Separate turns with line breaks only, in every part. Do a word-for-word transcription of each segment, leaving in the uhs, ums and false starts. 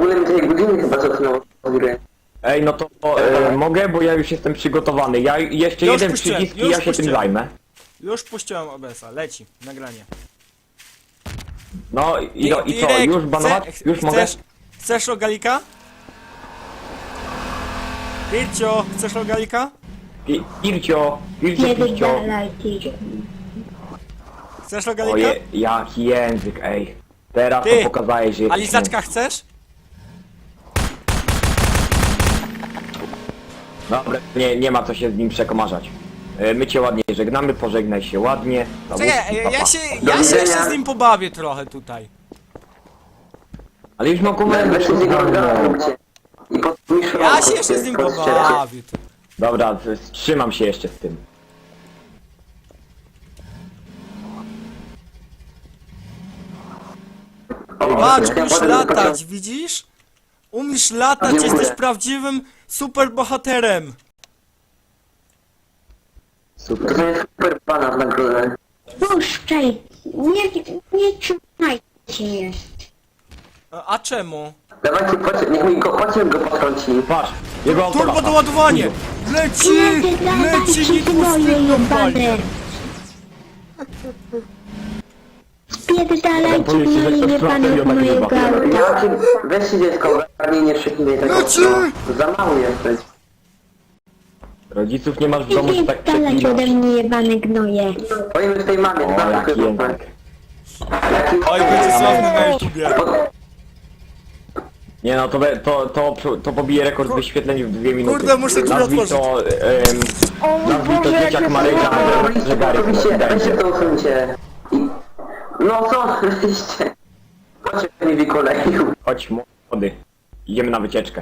ogóle mi tej godziny chyba cofnęło z gry.
Ej, no to e, mogę, bo ja już jestem przygotowany. Ja jeszcze
Już
jeden
puściłem,
przycisk i
już
ja się tym
puściłem.
zajmę.
Już puściłem O B S a, leci, nagranie.
No i, no, i co,
Irek,
już banować?
chce-
Już mogę?
chcesz, Chcesz rogalika? Pircio, chcesz rogalika?
Pi- Pircio, Pircio, Pircio.
Pierdalaj, ty.
Chcesz rogalika?
Oje, jaki język, ej. Teraz
Ty,
to pokazałeś, że
A
jesteś
lizaczka chcesz?
Dobra, nie, nie ma co się z nim przekomarzać. E, My cię ładnie żegnamy, pożegnaj się ładnie.
Czekaj,
Zawódki,
ja,
pa,
ja
pa.
się,
Do
ja się
widzenia.
jeszcze z nim pobawię trochę tutaj.
Ale już mam
Weź
komendę.
się z niego rozgarnąć. I pod mi
Ja się jeszcze z nim pobawię. tu.
Dobra, to jest- trzymam się jeszcze z tym.
Patrz, umiesz latać, widzisz? Umiesz latać,
Dziękuję.
jesteś prawdziwym super bohaterem.
Super.
To jest super pana w nagrodę.
Puszczaj. Nie, nie trzymajcie mnie.
A a czemu?
Dawajcie, płacie, niech mi go, pociąg go potrąci.
Patrz, jego auto
Turbo
lata.
doładowanie! Leci! Leci,
Pierdalajcie,
Need for
gnoje
Speed normalnie.
jebane. Spierdalajcie,
Powiedzcie, że
gnoje
ktoś
jebane
trafia
od
na
mojego
takiego
auta.
Ja ci, weź się dziecko, ogarnij, nie szyknij tego.
Leci!
No, za mało jesteś.
Rodziców nie masz w domu, że tak
Spierdalać ode
przeklinasz.
mnie jebane gnoje.
Powiem tej mamie,
O,
znam
jaki
chyba.
język.
Jaki...
Oj, będzie sławny na YouTubie.
Nie no, to, be- to, to, to pobije rekord wyświetleń w dwie minuty.
Kurde, muszę drzwi
Nazwij
otworzyć.
to, em, nazwij to dzieciak Maryka, że Garek
Oczywiście, weźcie
będzie.
to usuńcie. I... No co, weźcie. Pociąg mnie wykoleił.
Chodź młody, idziemy na wycieczkę.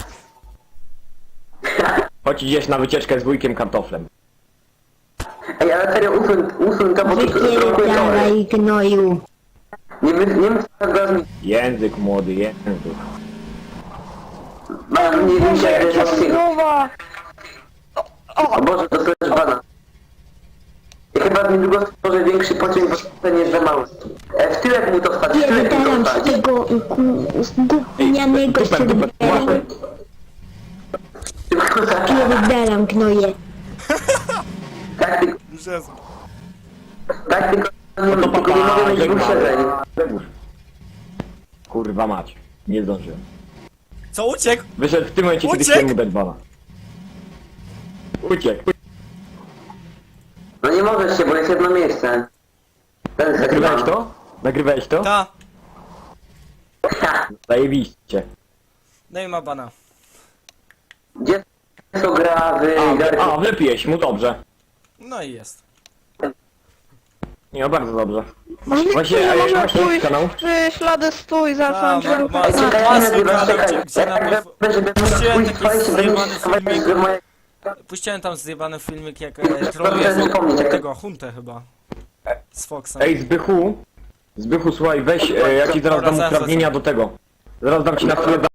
Chodź idziesz na wycieczkę z wujkiem kartoflem.
Ej, ale serio, usuń, usuń to, bo to
Wypierdalaj, gnoju.
Nie wy, nie mów teraz mi.
Język młody, język.
Mam, nie wiem, jak jest właśnie. O Boże, to też bana. Ja chyba niedługo stworzę większy pociąg, bo ten jest za mały. E, w tyłek mu to wstać, w tyłek mu to
Pierdalam z
wstać.
tego gównianego
Dupę, dupę,
serwera. Pierdalam, gnoje.
Tak, tylko,
Jezu.
tak, tylko, nie,
No to
tylko nie mogę
papa,
mieć dwóch siedzeń.
żegnamy. Kurwa mać, nie zdążyłem.
Co, uciekł?
Wyszedł w tym momencie, kiedy
Uciekł?
chciałem mu dać bana. Uciekł.
No nie możesz się, bo jest jedno miejsce. Ten
Nagrywałeś to? Nagrywałeś to?
Ta.
Zajebiście.
No i ma bana.
Gdzie to gra w
A,
Garry?
a wypiłeś mu, dobrze.
No i jest.
Nie, no bardzo dobrze.
Właśnie,
Właśnie,
ja
a
mogę
masz jakiś
pójść
kanał?
przy ślady stój,
Ta,
zacząłem
ma, ma,
Ej,
ma,
czekaj,
ma
nie
swój
nagrywasz,
kanał,
czekaj.
gdzie, gdzie na
Jak
mnie...
żeby
Puściłem
swój
taki
swoich, będziesz
zjebany
schować
filmik.
do moje...
Puściłem tam zjebany filmik, jak
Proszę
e, troluje
zapomnieć, jak-
tego, Huntę chyba. Z Foxem.
Ej, Zbychu. Zbychu, słuchaj, weź, e, ja ci zaraz dam
Dobra, zaraz,
uprawnienia do tego. Zaraz dam ci na chwilę